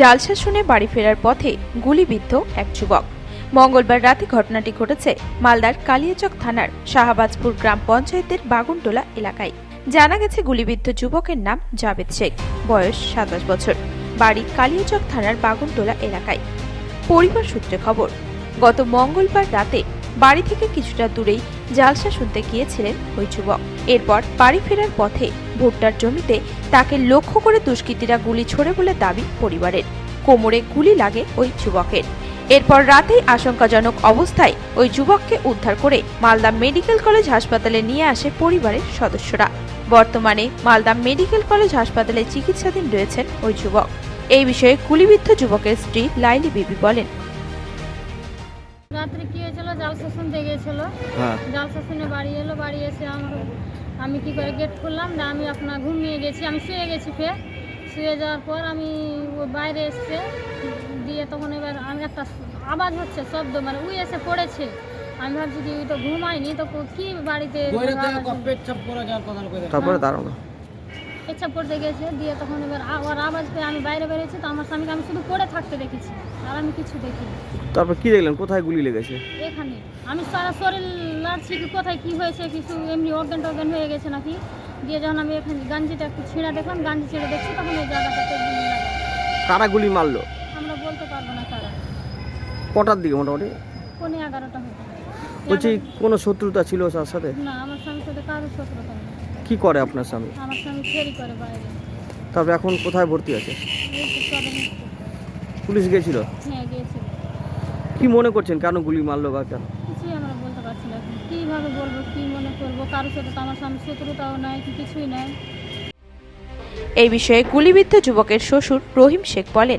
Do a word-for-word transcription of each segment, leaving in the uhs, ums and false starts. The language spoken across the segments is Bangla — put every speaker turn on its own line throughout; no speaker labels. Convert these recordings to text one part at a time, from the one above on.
জালসা শুনে বাড়ি ফেরার পথে গুলিবিদ্ধ এক যুবক। মঙ্গলবার রাতে ঘটনাটি ঘটেছে মালদার কালিয়াচক থানার শাহবাজপুর গ্রাম পঞ্চায়েতের বাগুনটোলা এলাকায়। জানা গেছে গুলিবিদ্ধ যুবকের নাম জাবেদ শেখ, বয়স সাতাশ বছর, বাড়ি কালিয়াচক থানার বাগুনটোলা এলাকায়। পরিবার সূত্রে খবর, গত মঙ্গলবার রাতে বাড়ি থেকে কিছুটা দূরেই জালসা শুনতে গিয়েছিলেন ওই যুবক। এরপর বাড়ি ফেরার পথে ভুট্টার জমিতে তাকে লক্ষ্য করে দুষ্কৃতীরা গুলি ছোড়ে বলে দাবি পরিবারের। কোমরে গুলি লাগে ওই যুবকের। এরপর রাতেই আশঙ্কাজনক অবস্থায় ওই যুবককে উদ্ধার করে মালদা মেডিকেল কলেজ হাসপাতালে নিয়ে আসে পরিবারের সদস্যরা। বর্তমানে মালদা মেডিকেল কলেজ হাসপাতালে চিকিৎসাধীন রয়েছেন ওই যুবক। এই বিষয়ে গুলিবিদ্ধ যুবকের স্ত্রী লাইলি বিবি বলেন,
রাত্রে কি হয়েছিল, জালসা শুনতে গিয়েছিল। জালসা শুনে বাড়ি এলো, বাড়ি এসে আমার আমি কি করে গেট খুললাম না, আমি আপনার ঘুমিয়ে গেছি, আমি শুয়ে গেছি। ফের শুয়ে যাওয়ার পর আমি ওই বাইরে এসছে দিয়ে তখন এবার আমি একটা আওয়াজ হচ্ছে, শব্দ, মানে উই এসে পড়েছে। আমি ভাবছি কি তো ঘুমাইনি, তো কি বাড়িতে
তারপরে দাঁড়ানো
পেচ্ছাপ করতে গেছে দিয়ে তখন এবার ওর আওয়াজ পেয়ে আমি বাইরে বেরিয়েছি। তো আমার স্বামীকে আমি শুধু পড়ে থাকতে দেখেছি, আর আমি কিছু দেখিনি।
তারপর কি দেখলেন, কোথায় গুলি লেগেছে?
এখানে আমি সারা শরীর লাড়ছি কি কোথায় কি হয়েছে, কিছু এমনি অজ্ঞান টজ্ঞান হয়ে গেছে নাকি। দিয়ে যখন আমি এখানে গাঞ্জিটা একটু ছিঁড়া দেখলাম, গাঞ্জি ছেড়ে দেখছি, তখন এই জায়গাটাতে গুলি লাগে।
কারা গুলি মারলো
আমরা বলতে পারবো না কারা।
কটার দিকে মোটামুটি?
পৌনে এগারোটা হতো।
বলছি কোনো শত্রুতা ছিল তার সাথে?
না, আমার স্বামীর সাথে কারোর শত্রুতা নেই।
কি করে আপনার স্বামী?
আমার স্বামী ফেরি করে বাইরে।
তারপর এখন কোথায় ভর্তি আছে?
এই তো সবে
পুলিশ গিয়েছিল?
হ্যাঁ গিয়েছিল।
কি মনে করছেন কেন গুলি মারলো বা কেন?
কিছুই আমরা বলতে পারছি না এখন। কীভাবে বলবো, কী মনে করবো, কারোর সাথে তো আমার স্বামীর শত্রুতাও নাই, কি কিছুই নাই।
এই বিষয়ে গুলিবিদ্ধ যুবকের শ্বশুর রহিম শেখ বলেন,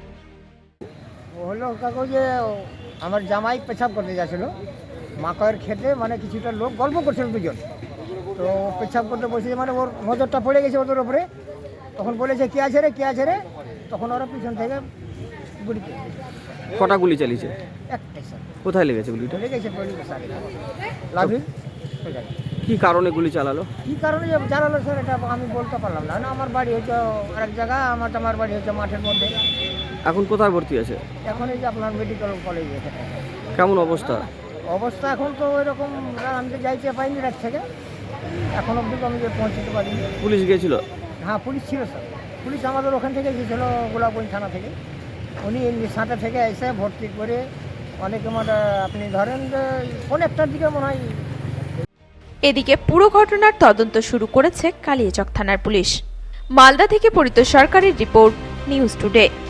হলো কাকু যে আমার জামাই পেছাব করতে যাচ্ছিল মাকয়ের খেতে, মানে কিছুটা লোক গল্প করছিল দুজন। তো পেছাব করতে বসে মানে ওর নজরটা পড়ে গেছে ওদের ওপরে। তখন বলেছে কে আছে রে কে আছে রে, তখন ওরা পিছন থেকে গুলি করে।
কটা গুলি চালিয়েছে?
একটাই স্যার।
কোথায় লেগেছে গুলিটা?
লেগেছে লাভি।
কি কারণে গুলি চালালো?
কী কারণে যে জানালো স্যার এটা আমি বলতে পারলাম না। না আমার বাড়ি হচ্ছে আরেক জায়গায়, আমার আমার বাড়ি হচ্ছে মাঠের মধ্যে।
এখন কোথায় ভর্তি আছে?
এখন এই যে আপনার মেডিকেল কলেজে।
কেমন অবস্থা?
অবস্থা এখন তো ওইরকম, আমি তো যাইতে পাইনি রাত থেকে, এখন অবধি আমি যে পৌঁছতে পারিনি।
পুলিশ গিয়েছিল?
হ্যাঁ পুলিশ ছিল স্যার। পুলিশ আমাদের ওখান থেকে গিয়েছিল গোলাপগঞ্জ থানা থেকে। উনি সাঁটা থেকে এসে ভর্তি করে অনেকে মানে আপনি ধরেন যে অনেকটার দিকে মনে হয়।
এদিকে পুরো ঘটনার তদন্ত শুরু করেছে কালিয়াচক থানার পুলিশ। মালদা থেকে পরিত সরকারের রিপোর্ট, নিউজ টুডে।